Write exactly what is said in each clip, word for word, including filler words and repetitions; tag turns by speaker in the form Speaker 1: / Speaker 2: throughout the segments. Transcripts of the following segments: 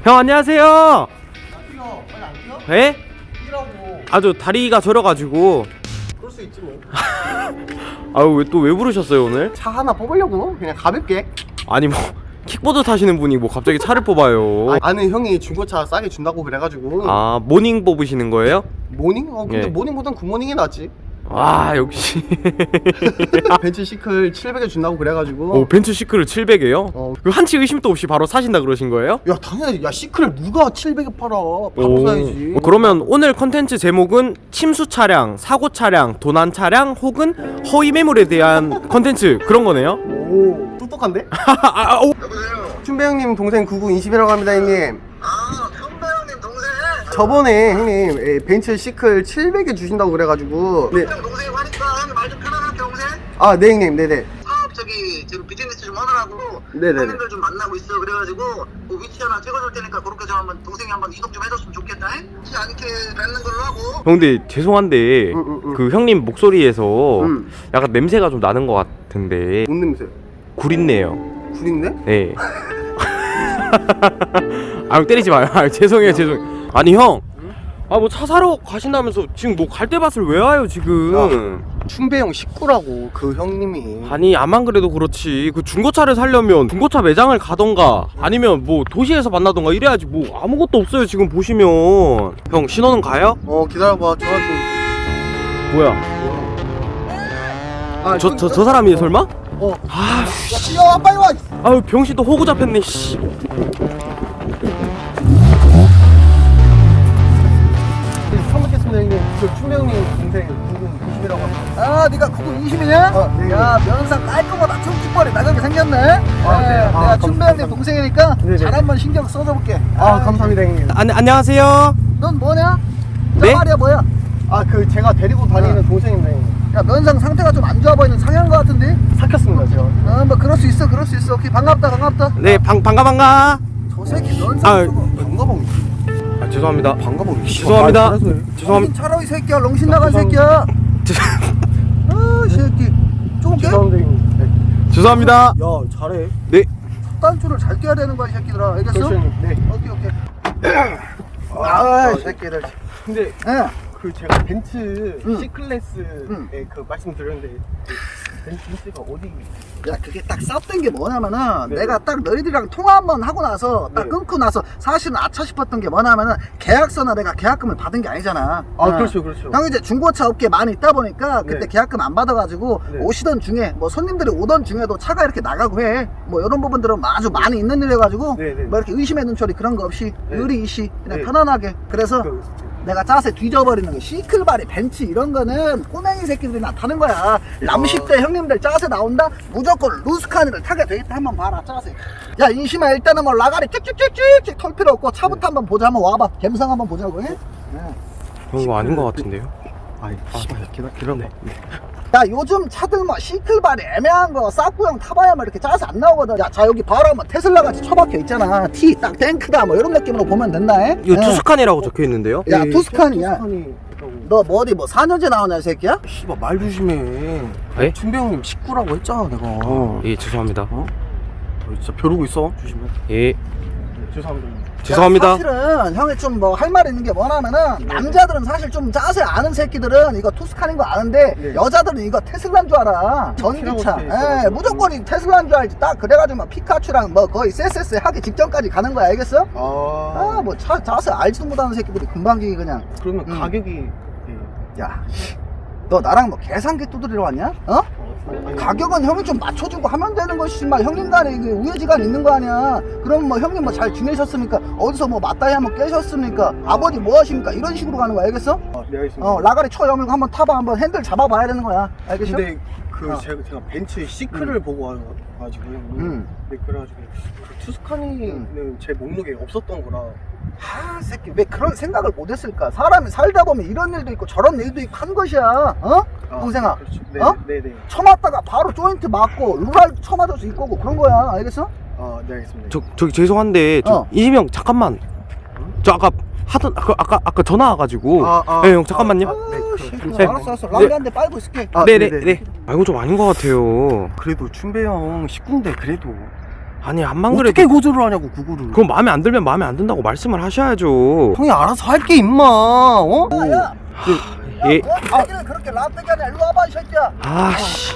Speaker 1: 형 안녕하세요.
Speaker 2: 안 뛰어. 빨리 안 뛰어?
Speaker 1: 에?
Speaker 2: 뛰라고.
Speaker 1: 아주 다리가 저려가지고.
Speaker 2: 그럴 수 있지 뭐.
Speaker 1: 아유 왜 또 왜 부르셨어요 오늘?
Speaker 2: 차 하나 뽑으려고 그냥 가볍게.
Speaker 1: 아니 뭐 킥보드 타시는 분이 뭐 갑자기 차를 뽑아요.
Speaker 2: 아, 아는 형이 중고차 싸게 준다고 그래가지고.
Speaker 1: 아 모닝 뽑으시는 거예요?
Speaker 2: 모닝? 어 근데
Speaker 1: 예.
Speaker 2: 모닝보단 굿모닝이 낫지.
Speaker 1: 아 역시.
Speaker 2: 벤츠 시클 칠백에 준다고 그래가지고.
Speaker 1: 오 벤츠 시크를 칠백에요?
Speaker 2: 어.
Speaker 1: 그 한치 의심도 없이 바로 사신다 그러신 거예요?
Speaker 2: 야 당연히 야 시클을 누가 칠백에 팔아. 바로 사야지.
Speaker 1: 어, 그러면 오늘 컨텐츠 제목은 침수 차량, 사고 차량, 도난 차량 혹은 허위 매물에 대한 컨텐츠 그런 거네요?
Speaker 2: 오 똑똑한데?
Speaker 1: 아, 오.
Speaker 3: 여보세요?
Speaker 2: 춘배 형님 동생 구구이십이라고 합니다 형님.
Speaker 3: 아, 선배 형님 동생?
Speaker 2: 저번에 형님 에, 벤츠 시클 칠백에 주신다고 그래가지고. 네.
Speaker 3: 형 동생 하니까 형님 말 좀 편안하게 동생?
Speaker 2: 아 네 형님 네네.
Speaker 3: 사업 저기 지금 비즈니스 좀 하느라고
Speaker 2: 네네네.
Speaker 3: 형님들 좀 만나고 있어. 그래가지고 그 위치 하나 찍어줄 테니까 그렇게 좀 한번 동생이 한번 이동 좀 해줬으면 좋겠다. 해? 혹시 않게 뵙는 걸로 하고.
Speaker 1: 형 근데 죄송한데
Speaker 2: 응, 응, 응.
Speaker 1: 그 형님 목소리에서
Speaker 2: 응.
Speaker 1: 약간 냄새가 좀 나는 것 같은데
Speaker 2: 뭔 냄새?
Speaker 1: 구린내요.
Speaker 2: 구린데?
Speaker 1: 네. 아유 때리지 마요. 아유, 죄송해요 죄송해요. 아니 형, 아 뭐 차 사러 가신다면서 지금 뭐 갈대밭을 왜 와요 지금?
Speaker 2: 춘배 형 식구라고 그 형님이.
Speaker 1: 아니 아만 그래도 그렇지 그 중고차를 사려면 중고차 매장을 가던가 아니면 뭐 도시에서 만나던가 이래야지 뭐 아무것도 없어요 지금 보시면. 형 신호는 가요?
Speaker 2: 어 기다려봐 전화 좀.
Speaker 1: 뭐야
Speaker 2: 아,
Speaker 1: 저 저 저 사람이 설마?
Speaker 2: 어.
Speaker 1: 아,
Speaker 2: 야 뛰어 빨리 와.
Speaker 1: 아유 병신 또 호구 잡혔네 씨.
Speaker 2: 네, 처음 뵙겠습니다 형님. 저 춘배 형님 동생 구구이십이라고 합니다.
Speaker 4: 아, 네가 구구이십이냐?
Speaker 2: 어, 네.
Speaker 4: 야, 면상 깔끔하다. 퉁퉁머리 나가게 생겼네.
Speaker 2: 아, 네.
Speaker 4: 네,
Speaker 2: 아,
Speaker 4: 내가
Speaker 2: 감-
Speaker 4: 춘배한테
Speaker 2: 감사합니다.
Speaker 4: 동생이니까
Speaker 2: 네네.
Speaker 4: 잘 한번 신경 써줘볼게.
Speaker 2: 아 감사합니다 형님.
Speaker 1: 안 안녕하세요.
Speaker 4: 넌 뭐냐?
Speaker 1: 네?
Speaker 4: 저 말이야 뭐야?
Speaker 2: 아 그 제가 데리고 다니는 동생입니다 형님.
Speaker 4: 야, 면상 상태가 좀 안 좋아 보이는 상한 거 같은데?
Speaker 2: 삭혔습니다 제가.
Speaker 4: 어, 뭐 그럴 수 있어, 그럴 수 있어. 오케이, 반갑다, 반갑다.
Speaker 1: 네 방 반가 반가.
Speaker 4: 저 새끼 면상
Speaker 1: 아,
Speaker 4: 저거.
Speaker 2: 반가봉.
Speaker 1: 아 죄송합니다.
Speaker 2: 반가봉.
Speaker 1: 죄송합니다.
Speaker 4: 정신
Speaker 1: 죄송합니다.
Speaker 4: 차려 이 새끼야, 롱신 나간
Speaker 2: 죄송합니다.
Speaker 4: 새끼야. 아, 이 새끼. 조금 깨?
Speaker 2: 죄송합니다 형님. 네.
Speaker 1: 죄송합니다.
Speaker 2: 야 잘해.
Speaker 1: 네.
Speaker 4: 단추를 잘 껴야 되는 거야, 이 새끼들아. 알겠어?
Speaker 2: 그렇죠 형님. 네.
Speaker 4: 오케이, 오케이. 아, 이 새끼들.
Speaker 2: 근데
Speaker 4: 예.
Speaker 2: 그 제가 벤츠
Speaker 4: 응.
Speaker 2: C클래스에
Speaker 4: 응.
Speaker 2: 그 말씀드렸는데 그 벤츠가 어디?
Speaker 4: 야, 그게 딱 쌌던 게 뭐냐면은
Speaker 2: 네.
Speaker 4: 내가 딱 너희들이랑 통화 한 번 하고 나서 딱
Speaker 2: 네.
Speaker 4: 끊고 나서 사실은 아차 싶었던 게 뭐냐면은 계약서나 내가 계약금을 받은 게 아니잖아.
Speaker 2: 아
Speaker 4: 어.
Speaker 2: 그렇죠 그렇죠.
Speaker 4: 형 이제 중고차 업계 많이 있다 보니까 그때
Speaker 2: 네.
Speaker 4: 계약금 안 받아가지고
Speaker 2: 네.
Speaker 4: 오시던 중에 뭐 손님들이 오던 중에도 차가 이렇게 나가고 해. 뭐 이런 부분들은 아주 많이 있는 일이어가지고
Speaker 2: 네, 네.
Speaker 4: 뭐 이렇게 의심의 눈초리 그런 거 없이
Speaker 2: 네.
Speaker 4: 의리이시 그냥
Speaker 2: 네.
Speaker 4: 편안하게. 그래서
Speaker 2: 그,
Speaker 4: 내가 짜세 뒤져버리는 거 시클바리 벤츠 이런 거는 꼬맹이 새끼들이 나타는 거야. 람십 대 형님들 짜세 나온다 무조건 루스카니를 타게 돼있다. 한번 봐라 짜세. 야 인심아 일단은 뭐 라가리 찍찍찍찍찍 털 필요 없고 차부터 한번 보자. 한번 와봐. 감성 한번 보자고 해. 네.
Speaker 1: 형 이거 아닌 것 같은데요?
Speaker 2: 아이 씨발 기다 기다려. 네.
Speaker 4: 야 요즘 차들 뭐 시클바리 애매한 거 싸구형 타봐야만 이렇게 짜서 안 나오거든. 야 자 여기 바로 한번 테슬라 같이 처박혀 있잖아. T 딱 탱크다 뭐 이런 느낌으로 보면 된다. 해?
Speaker 1: 이거
Speaker 4: 네.
Speaker 1: 투스칸이라고 적혀 있는데요?
Speaker 4: 야 투스칸이야.
Speaker 2: 투스칸이 있다고.
Speaker 4: 너 뭐 어디 뭐 사 년제 나오냐 이 새끼야?
Speaker 2: 씨발 말 조심해.
Speaker 1: 네?
Speaker 2: 춘배 형님 식구라고 했잖아 내가. 어.
Speaker 1: 예 죄송합니다.
Speaker 2: 어? 너 진짜 벼르고 있어. 조심해.
Speaker 1: 예
Speaker 2: 네, 죄송합니다.
Speaker 1: 죄송합니다.
Speaker 4: 야, 사실은 형이 좀 뭐 할 말이 있는 게 뭐냐면은 남자들은 사실 좀 짜세 아는 새끼들은 이거 투스칸인 거 아는데
Speaker 2: 네.
Speaker 4: 여자들은 이거 테슬라인 줄 알아. 전기차.
Speaker 2: 티라고 돼
Speaker 4: 예,
Speaker 2: 있어가지고.
Speaker 4: 무조건 이 테슬라인 줄 알지. 딱 그래가지고 막 피카츄랑 뭐 거의 세세세 하기 직전까지 가는 거야. 알겠어?
Speaker 2: 아,
Speaker 4: 아 뭐 차 짜세 알지도 못하는 새끼들이 금방지기 그냥.
Speaker 2: 그러면
Speaker 4: 음.
Speaker 2: 가격이 예.
Speaker 4: 야, 너 나랑 뭐 계산기 두드리러 왔냐? 어?
Speaker 2: 어, 아니,
Speaker 4: 가격은 형이 좀 맞춰주고 하면 되는 것이지 마. 형님 간에 이게 우애지간 있는 거 아니야. 그럼 뭐 형님 뭐 잘 지내셨습니까? 어디서 뭐 맞다이 한번 깨셨습니까? 아버지 뭐 하십니까? 이런 식으로 가는 거야. 알겠어?
Speaker 2: 아, 네 알겠습니다.
Speaker 4: 어 라가리 쳐 여물고 한번 타봐. 한번 핸들 잡아봐야 되는 거야. 알겠어?
Speaker 2: 근데 그
Speaker 4: 어.
Speaker 2: 제가, 제가 벤츠 시크를 보고 와가지고
Speaker 4: 음.
Speaker 2: 네, 그래가지고 그 투스카니는 제 목록에 없었던 거라.
Speaker 4: 아 새끼 왜 그런 생각을 못했을까? 사람이 살다 보면 이런 일도 있고 저런 일도 있고 한 것이야. 어?
Speaker 2: 아,
Speaker 4: 동생아.
Speaker 2: 그렇죠. 네,
Speaker 4: 어?
Speaker 2: 네네.
Speaker 4: 쳐맞다가 바로 조인트 맞고 루랄 쳐맞을 수 있고 그런 거야. 알겠어?
Speaker 2: 아, 네 알겠습니다.
Speaker 1: 저 저기 죄송한데 저
Speaker 4: 어.
Speaker 1: 이지명 잠깐만. 저 아까 하던 아까 아까, 아까 전화 와가지고.
Speaker 2: 아, 아,
Speaker 1: 네, 형 잠깐만요.
Speaker 2: 아, 네, 그,
Speaker 4: 씨,
Speaker 2: 잠시만요.
Speaker 1: 네.
Speaker 4: 알았어 알았어. 라가리 한 대 빨고 있을게.
Speaker 2: 아,
Speaker 1: 네네
Speaker 2: 네네.
Speaker 1: 네. 아 이건 좀 아닌 것 같아요.
Speaker 2: 그래도 춘배 형 식구인데 그래도
Speaker 1: 아니 안만 그래도
Speaker 2: 어떻게 고소를 하냐고 그거를.
Speaker 1: 그럼 마음에 안 들면 마음에 안 든다고 말씀을 하셔야죠.
Speaker 2: 형이 알아서 할게 임마. 어?
Speaker 4: 야야
Speaker 1: 예.
Speaker 4: 아 얘기를 그렇게 라떼가 아니야. 일로 와봐 이 새끼야.
Speaker 1: 아씨.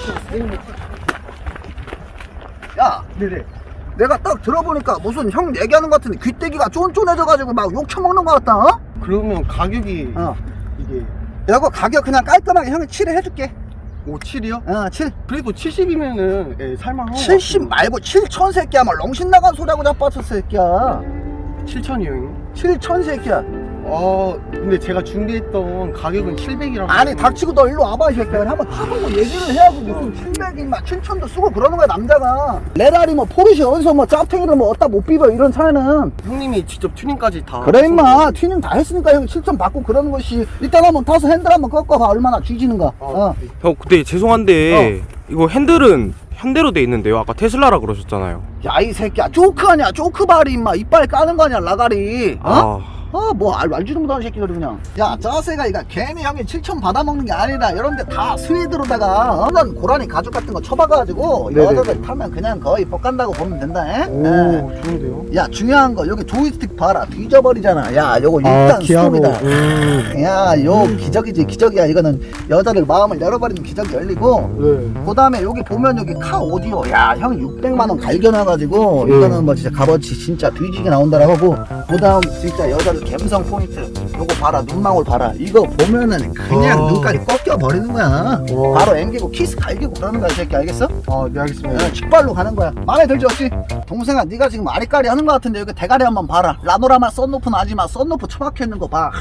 Speaker 4: 야
Speaker 2: 네네.
Speaker 4: 내가 딱 들어보니까 무슨 형 얘기하는 것 같은데 귀때기가 쫀쫀해져가지고 막 욕 처먹는 것 같다. 어?
Speaker 2: 그러면 가격이
Speaker 4: 어.
Speaker 2: 이게
Speaker 4: 이거 가격 그냥 깔끔하게 형이 칠 해줄게.
Speaker 2: 오 칠이요?
Speaker 4: 어 칠.
Speaker 2: 그래도 칠십이면은 예, 살만한 거
Speaker 4: 칠십 말고 칠천 새끼야. 뭐 렁신 나간 소리하고 자빠졌어 새끼야.
Speaker 2: 칠천이요 형님?
Speaker 4: 칠천 새끼야.
Speaker 2: 어 근데 제가 준비했던 가격은 칠백이라고.
Speaker 4: 아니 닥치고 너 일로 와봐 이 새끼야. 한번 타보고 얘기를 해야지. 무슨 칠백이 막 칠천도 쓰고 그러는 거야 남자가. 레라리 뭐 포르쉐 어디서 뭐 짭탱이를 뭐 어디다 못 비벼 이런 차이는.
Speaker 2: 형님이 직접 튜닝까지 다
Speaker 4: 그래 임마
Speaker 2: 하셨는데.
Speaker 4: 튜닝 다 했으니까 형이 칠천 받고 그러는 것이. 일단 한번 타서 핸들 한번 꺾어봐. 얼마나 뒤지는가.
Speaker 2: 아,
Speaker 4: 어.
Speaker 2: 네.
Speaker 1: 형 근데 죄송한데 이거 핸들은 현대로 돼 있는데요. 아까 테슬라라 그러셨잖아요.
Speaker 4: 야 이 새끼야 조크 아니야 조크 발이 임마 이빨 까는 거 아니야 라가리. 어?
Speaker 1: 아.
Speaker 4: 아 뭐 알, 알지도 못하는 새끼들이 그냥. 야 짜세가 이거 괜히 형이 칠천 받아먹는 게 아니라 이런데 다 스웨드로다가 어? 난 고라니 가죽 같은 거 쳐박아가지고
Speaker 2: 네네네.
Speaker 4: 여자들 타면 그냥 거의 뻑간다고 보면 된다. 에?
Speaker 2: 오
Speaker 4: 에.
Speaker 2: 좋은데요?
Speaker 4: 야 중요한 거 여기 조이스틱 봐라 뒤져버리잖아. 야 요거 일단 스톱이다.
Speaker 2: 음.
Speaker 4: 야 요 기적이지 기적이야. 이거는 여자들 마음을 열어버리는 기적이 열리고.
Speaker 2: 네.
Speaker 4: 그 다음에 여기 보면 여기 카 오디오. 야 형 육백만 원 갈겨놔가지고
Speaker 2: 음.
Speaker 4: 이거는 뭐 진짜 값어치 진짜 뒤지게 나온다라고 하고. 그 다음 진짜 여자들 감성 포인트 요거 봐라. 눈망울 봐라. 이거 보면은 그냥
Speaker 2: 와.
Speaker 4: 눈까지 꺾여버리는 거야.
Speaker 2: 와.
Speaker 4: 바로 앵기고 키스 갈기고 그러는 거야 이 새끼. 알겠어?
Speaker 2: 아네 알겠습니다.
Speaker 4: 어, 직발로 가는 거야. 마음에 들지 없지? 동생아 네가 지금 아리까리 하는 거 같은데 여기 대가리 한번 봐라. 라노라마 썬루프는 하지마. 썬루프 처박혀 있는 거 봐.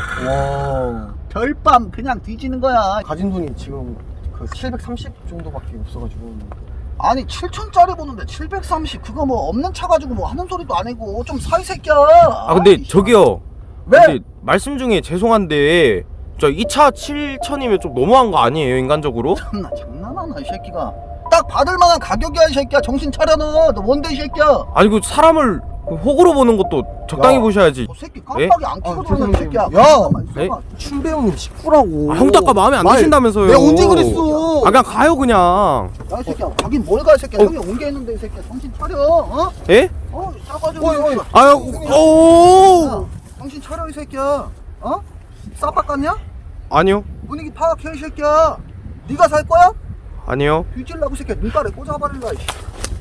Speaker 2: 와
Speaker 4: 별밤 그냥 뒤지는 거야.
Speaker 2: 가진 돈이 지금 그 칠백삼십 정도밖에 없어가지고.
Speaker 4: 아니 칠천짜리 보는데 칠백삼십 그거 뭐 없는 차 가지고 뭐 하는 소리도 아니고 좀 사 이 새끼야.
Speaker 1: 아 근데
Speaker 4: 아이,
Speaker 1: 저기요.
Speaker 4: 왜?
Speaker 1: 근데 말씀 중에 죄송한데 저 이 차 칠천이면 좀 너무한 거 아니에요 인간적으로?
Speaker 4: 참나 장난하나 이 새끼가. 딱 받을 만한 가격이야 이 새끼야. 정신 차려 너. 너 뭔데 이 새끼야.
Speaker 1: 아니 그 사람을 그 호구로 보는 것도 적당히
Speaker 2: 야.
Speaker 1: 보셔야지.
Speaker 4: 저 새끼 깜빡이 안 켜고
Speaker 2: 아,
Speaker 4: 들어오는
Speaker 2: 죄송해요.
Speaker 4: 새끼야.
Speaker 2: 야.
Speaker 4: 잠깐만,
Speaker 1: 네?
Speaker 4: 잠깐만.
Speaker 2: 춘배 형님 식구라고.
Speaker 1: 아, 형도 아까 마음에 안
Speaker 2: 말-
Speaker 1: 드신다면서요.
Speaker 2: 내가 언제 그랬어?
Speaker 1: 아 그냥 가요 그냥.
Speaker 4: 야 이 새끼야 가긴 뭘 가 이 새끼야.
Speaker 1: 어.
Speaker 4: 형이 온 게 있는데 이 새끼야. 정신 차려. 어?
Speaker 1: 예?
Speaker 4: 어 싸가지고.
Speaker 2: 어이, 어이.
Speaker 1: 아유 오.
Speaker 4: 야, 정신 차려 이 새끼야. 어? 싸박 같냐?
Speaker 1: 아니요.
Speaker 4: 분위기 파악해 이 새끼야. 네가 살 거야?
Speaker 1: 아니요.
Speaker 4: 뒤질라고 이 새끼야. 눈깔에 꽂아버릴라 이씨.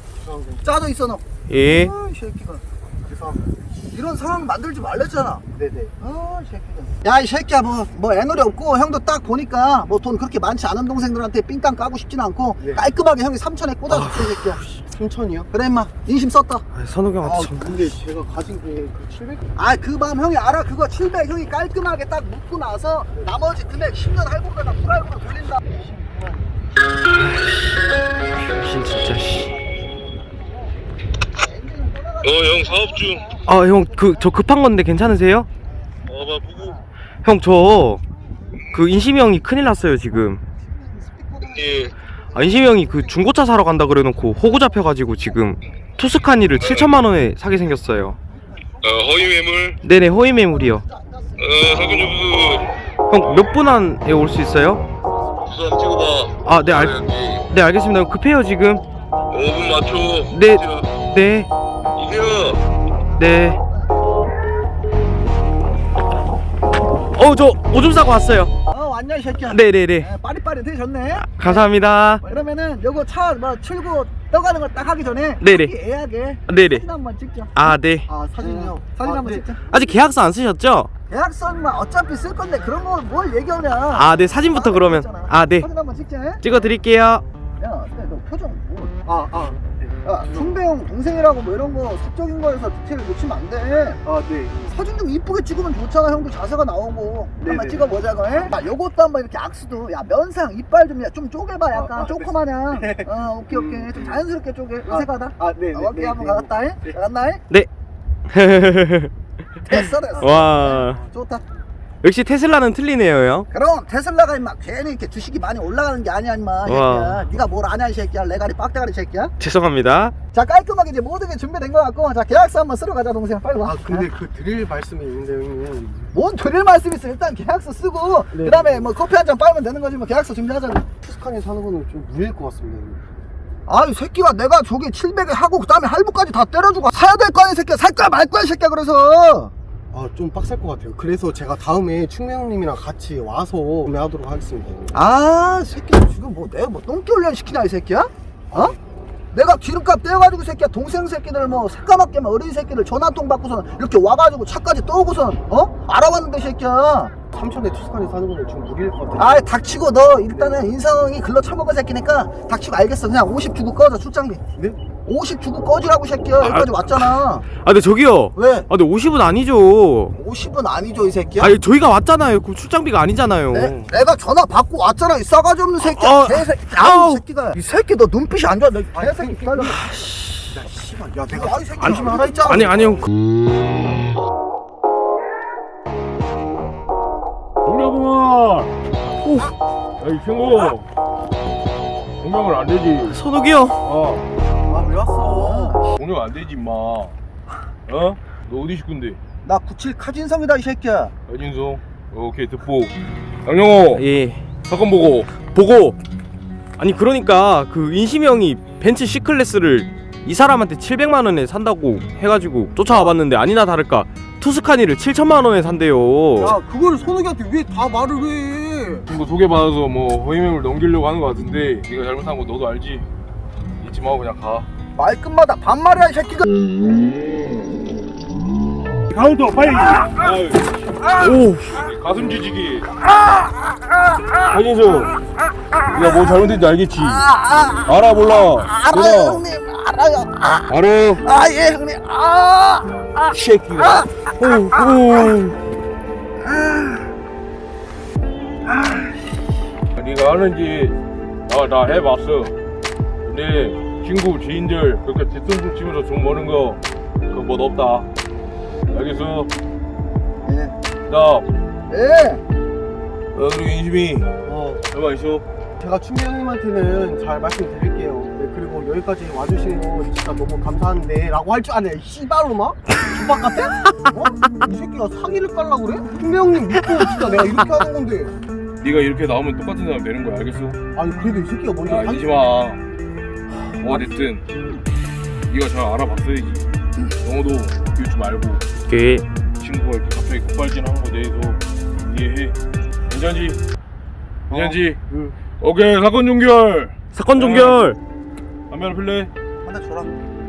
Speaker 4: 짜져 있어 너.
Speaker 1: 예.
Speaker 4: 아, 이 새끼가.
Speaker 2: 죄송합니다.
Speaker 4: 이런 상황 만들지 말랬잖아.
Speaker 2: 네네.
Speaker 4: 아, 이 새끼가. 야, 이 새끼야, 뭐, 뭐, 애놀이 없고, 형도 딱 보니까, 뭐, 돈 그렇게 많지 않은 동생들한테 삥땅 까고 싶진 않고,
Speaker 2: 네.
Speaker 4: 깔끔하게 형이 삼천에 꽂아줄게, 이 새끼야.
Speaker 2: 삼천이요?
Speaker 4: 그래, 임마. 인심 썼다.
Speaker 1: 아, 선욱이 형한테
Speaker 2: 아
Speaker 1: 참.
Speaker 2: 근데 제가 가진 게 그 칠백.
Speaker 4: 아, 그 마음 형이 알아. 그거 칠백 형이 깔끔하게 딱 묻고 나서, 나머지 금액 십 년 할부로다가 풀할부로 돌린다.
Speaker 1: 진 진짜 씨.
Speaker 5: 어, 형 사업 중.
Speaker 1: 아 형 그 저 급한 건데 괜찮으세요?
Speaker 5: 어, 봐 보고.
Speaker 1: 형 저 그 인심이 형이 큰일 났어요 지금.
Speaker 5: 예.
Speaker 1: 아 인심이 형이 그 중고차 사러 간다 그래놓고 호구 잡혀가지고 지금 투스카니를 칠천만 원에 사게 생겼어요.
Speaker 5: 어, 허위 매물.
Speaker 1: 네네 허위 매물이요.
Speaker 5: 어, 살균 점수.
Speaker 1: 형 몇 분 안에 올 수 있어요?
Speaker 5: 주소 한번 찍어봐.
Speaker 1: 아 네 알,
Speaker 5: 여기.
Speaker 1: 네 알겠습니다. 급해요 지금.
Speaker 5: 오 분 맞춰.
Speaker 1: 네.
Speaker 5: 이세요.
Speaker 1: 네
Speaker 5: 이세요.
Speaker 1: 네. 어 저 오줌 싸고 왔어요.
Speaker 4: 어, 왔냐, 이 새끼야.
Speaker 1: 네네네.
Speaker 4: 에, 빠릿빠릿해졌네.
Speaker 1: 감사합니다.
Speaker 4: 그러면은 요거 차 뭐 출고 떠가는 거 딱 하기 전에
Speaker 1: 네네.
Speaker 4: 자기 예약에
Speaker 1: 네네.
Speaker 4: 사진 한번 찍자.
Speaker 1: 아 네.
Speaker 4: 아 사진요. 사진
Speaker 2: 아,
Speaker 4: 한번
Speaker 2: 네.
Speaker 4: 찍자.
Speaker 1: 아직 계약서 안 쓰셨죠?
Speaker 4: 계약서만 어차피 쓸 건데 그런 거 뭘 얘기하냐.
Speaker 1: 아 네 사진부터 그러면. 아 네.
Speaker 4: 사진 한번 찍자. 야,
Speaker 1: 찍어 드릴게요.
Speaker 4: 근데 너 표정 뭐?
Speaker 2: 아 아.
Speaker 4: 야, 충배형 동생이라고 뭐 이런 거 사적인 거에서 디테일 놓치면 안 돼.
Speaker 2: 아 네.
Speaker 4: 사진 좀 이쁘게 찍으면 좋잖아. 형도 자세가 나오고. 한번
Speaker 2: 네네.
Speaker 4: 찍어보자고. 해? 야, 요것도 한번 이렇게 악수도. 야, 면상 이빨 좀, 야, 좀 쪼개봐. 약간
Speaker 2: 아, 아,
Speaker 4: 조그마냥. 어, 오케이 오케이. 좀 자연스럽게 쪼개. 의색하다.
Speaker 2: 아 네.
Speaker 4: 어, 오케이 한번 가갔다. 해?
Speaker 2: 네.
Speaker 4: 가갔나? 해?
Speaker 1: 네.
Speaker 4: 됐어 됐어.
Speaker 1: 와
Speaker 4: 좋다.
Speaker 1: 역시 테슬라는 틀리네요 형.
Speaker 4: 그럼 테슬라가 임마 괜히 이렇게 주식이 많이 올라가는 게 아니야 임마 이
Speaker 1: 와.
Speaker 4: 새끼야. 네가 뭘 아냐 이 새끼야. 레가리 빡대가리 새끼야.
Speaker 1: 죄송합니다.
Speaker 4: 자 깔끔하게 이제 모든 게 준비된 거 같고 자 계약서 한번 쓰러 가자 동생. 빨리 와.
Speaker 2: 아 근데 그 드릴 말씀이 있는데 형님.
Speaker 4: 뭔 드릴 말씀 있어. 일단 계약서 쓰고
Speaker 2: 네.
Speaker 4: 그 다음에 뭐 커피 한 잔 빨면 되는 거지 뭐. 계약서 준비하자고.
Speaker 2: 투스칸에 사는 거는 좀 무리일 것 같습니다. 형님.
Speaker 4: 아이 새끼가 내가 저기 칠백에 하고 그 다음에 할부까지 다 때려주고 사야 될 거 아니야 새끼야. 살 거야 말 거야 새끼야. 그래서
Speaker 2: 아 좀 빡셀 것 같아요. 그래서 제가 다음에 충미 형님이랑 같이 와서 구매하도록 하겠습니다.
Speaker 4: 아 새끼 지금 뭐 내가 뭐 똥개 훈련 시키냐 이 새끼야? 어? 내가 기름값 떼어가지고 새끼야 동생 새끼들 뭐 새까맣게 막 어린 새끼들 전화 한 통 받고서 이렇게 와가지고 차까지 떠오고선 어? 알아봤는데 새끼야.
Speaker 2: 삼천에 투스칸에 사는 거는 좀 무리일 것 같아요.
Speaker 4: 아이 닥치고 너 일단은 인성이 글러 처먹은 새끼니까 닥치고 알겠어. 그냥 오십 주고 꺼져 출장비.
Speaker 2: 네?
Speaker 4: 오십 주고 꺼지라고 새끼야. 여기까지 왔잖아.
Speaker 1: 아 근데 저기요.
Speaker 4: 왜?
Speaker 1: 아 근데 오십은 아니죠.
Speaker 4: 오십은 아니죠 이 새끼야?
Speaker 1: 아니 저희가 왔잖아요. 그 출장비가 아니잖아요.
Speaker 4: 내, 내가 전화 받고 왔잖아 이 싸가지 없는 새끼야.
Speaker 1: 아,
Speaker 4: 개새끼.
Speaker 1: 아우.
Speaker 4: 아우 새끼가 이 새끼 너 눈빛이 안 좋아. 너 개새끼 기다려.
Speaker 2: 야 씨발 야 내가
Speaker 4: 야, 이 새끼 조심히 하라 했잖아.
Speaker 1: 아니 아니요.
Speaker 5: 동료구만. 오. 야이 친구. 공격을 안 되지.
Speaker 1: 선욱이 형.
Speaker 5: 어.
Speaker 2: 아 왜 왔어?
Speaker 5: 공격 안 되지 임마. 어? 너 어디 식구인데?
Speaker 4: 나 구십칠 카진성이다 이 새끼야.
Speaker 5: 여진성. 오케이 듣보. 양영호.
Speaker 1: 예.
Speaker 5: 사건 보고.
Speaker 1: 보고. 아니 그러니까 그 인심이 형이 벤츠 C클래스를 이 사람한테 칠백만 원에 산다고 해가지고 쫓아와 봤는데 아니나 다를까 투스카니를 칠천만 원에 산대요.
Speaker 2: 야 그걸 선욱이한테 왜 다 말을 해?
Speaker 5: 친구 소개받아서 뭐 허위맹을 넘기려고 하는 거 같은데 네가 잘못한 거 너도 알지? 잊지 마고 그냥 가.
Speaker 4: 말끝마다 반말이야 이 새끼가.
Speaker 5: 가운데 빨리. 아유,
Speaker 1: 오.
Speaker 5: 가슴 지지기. 한인성. 네가 뭐 잘못했는지 알겠지? 알아 몰라.
Speaker 4: 알아요 형님 알아요. 아,
Speaker 5: 알아.
Speaker 4: 아 예 형님. 아, 아.
Speaker 5: 새끼가.
Speaker 1: 오. 오.
Speaker 5: 네가 아는지 나, 나 해봤어. 근데 친구 지인들 그렇게 뒤통수 치면서 돈 버는 거 그거 뭐 없다. 알겠어?
Speaker 4: 예.
Speaker 5: 나
Speaker 4: 예.
Speaker 5: 어, 그리고 인심이
Speaker 2: 어
Speaker 5: 얼마 있어?
Speaker 2: 제가 충미 형님한테는 잘 말씀드릴게요. 네, 그리고 여기까지 와주시는 거 진짜 너무 감사한데 라고 할 줄 아네. 씨발로마? 주박 같아? 어? 이 새끼가 사기를 깔라고 그래? 충미 형님 믿고 진짜 내가 이렇게 하는 건데.
Speaker 5: 네가 이렇게 나오면 똑같은 사람 되는 거야. 알겠어?
Speaker 2: 아니 그래도 이 새끼가 먼저
Speaker 5: 야
Speaker 2: 사기-
Speaker 5: 인심아 뭐가 됐든 네가 잘 알아봤어야지. 너도 비웃지 말고
Speaker 1: 오케이.
Speaker 5: 친구가 이렇게 갑자기 급발진하는 거에 대해서 이해해. 괜찮지? 괜찮지?
Speaker 2: 응.
Speaker 5: 오케이 사건 종결.
Speaker 1: 사건 종결.
Speaker 5: 담배 하나 필래?
Speaker 4: 하나 줘라.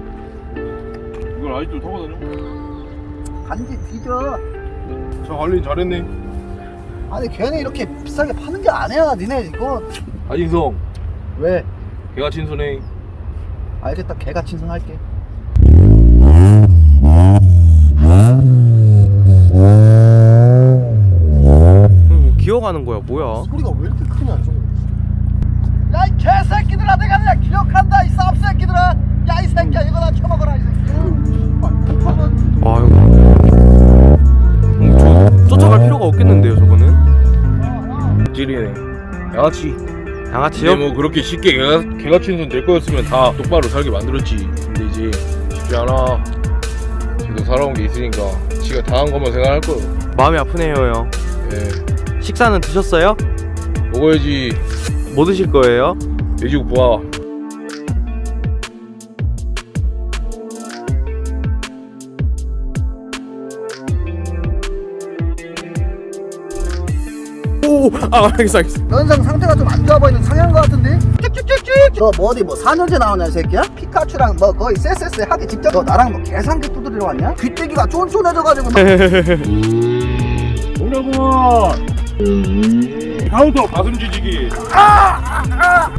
Speaker 5: 이걸 아직도 타고 다녀?
Speaker 4: 간지 뒤져.
Speaker 5: 차 관리 잘했네.
Speaker 4: 아니 걔네 이렇게 비싸게 파는 게 아니야. 니네 이거
Speaker 5: 아진성
Speaker 4: 왜?
Speaker 5: 걔가 친손해.
Speaker 4: 알겠다. 개가 친성할게.
Speaker 1: 음, 기어가는 거야 뭐야?
Speaker 2: 소리가 왜 이렇게 크냐 좀.
Speaker 4: 야 이 개새끼들아 내가 그냥 기억한다 이 쌉새끼들아. 야 이 새끼야 이거 나 쳐먹어라 이 새끼.
Speaker 1: 아유. 음, 저 쫓아갈 필요가 없겠는데요 저거는?
Speaker 5: 찌리네. 양아치.
Speaker 1: 양아치요?
Speaker 5: 근데 뭐 그렇게 쉽게 개가, 개가 친손 될 거였으면 다 똑바로 살게 만들었지. 근데 이제 쉽지 않아. 지도 살아온 게 있으니까 지가 당한 것만 생각할 거요.
Speaker 1: 마음이 아프네요 형.
Speaker 5: 예.
Speaker 1: 식사는 드셨어요?
Speaker 5: 먹어야지.
Speaker 1: 뭐 드실 거예요?
Speaker 5: 돼지국 부화.
Speaker 1: 오, 아 알겠어 알겠어.
Speaker 4: 연상 상태가 좀 안 좋아 보이는 상향 거 같은데? 쭉쭉쭉쭉. 너 뭐 어디 뭐 사 년째 나오냐 이 새끼야? 피카츄랑 뭐 거의 쎄쎄쎄 하기 직접 너 나랑 뭐 계산기 두드리러 왔냐? 귀때기가 쫀쫀해져가지고 막
Speaker 5: 동료구만. 카운터 가슴 지지기.
Speaker 4: 아! 아!